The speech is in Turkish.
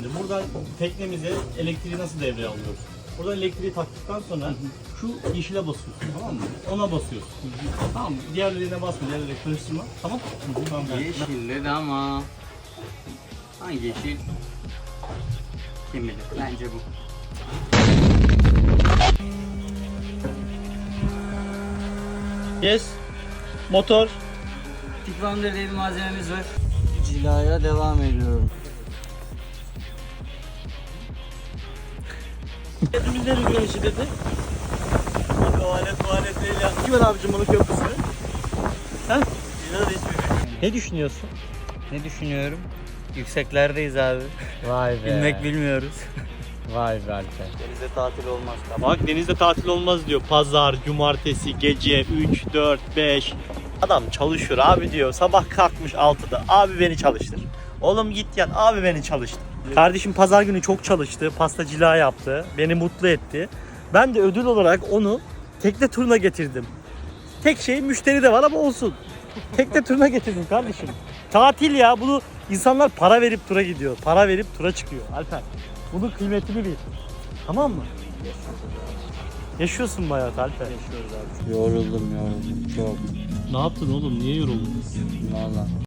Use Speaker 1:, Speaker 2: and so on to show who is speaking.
Speaker 1: Buradan teknemize elektriği nasıl devreye alıyoruz? Buradan elektriği taktıktan sonra şu yeşile basıyorsun, tamam mı? Ona basıyorsun. Tamam mı? Diğerlerine basma, diğerlerine karıştırma. Tamam? Tamam.
Speaker 2: Yeşil dedi ama hangi yeşil? Kim bilir? Bence bu.
Speaker 1: Yes. Motor.
Speaker 2: Tikvander diye bir malzememiz var. Cilaya devam ediyorum.
Speaker 1: Hepimizden güneşi dedi. Tuvalet değil ya. Kim abicim bunu köprüsünü? Ha? Ne düşünüyorsun?
Speaker 2: Ne düşünüyorum? Yükseklerdeyiz abi.
Speaker 1: Vay be.
Speaker 2: Bilmek bilmiyoruz.
Speaker 1: Vay be Alper.
Speaker 2: Denizde tatil olmaz.
Speaker 1: Bak denizde tatil olmaz diyor. Pazar, cumartesi, gece 3, 4, 5. Adam çalışıyor abi diyor. Sabah kalkmış 6'da. Abi beni çalıştır. Oğlum git yat. Abi beni çalıştır. Kardeşim pazar günü çok çalıştı. Pastacılığa yaptı. Beni mutlu etti. Ben de ödül olarak onu tekne turuna getirdim. Tek şey müşteri de var ama olsun. Tekne turuna getirdim kardeşim. Tatil ya. Bunu insanlar para verip tura gidiyor. Para verip tura çıkıyor. Alper. Bunun kıymetini bil. Tamam mı? Yaşıyorsun bayağı Alper. Yaşıyoruz abi.
Speaker 2: Yoruldum çok.
Speaker 1: Ne yaptın oğlum? Niye yoruldun?
Speaker 2: Valla.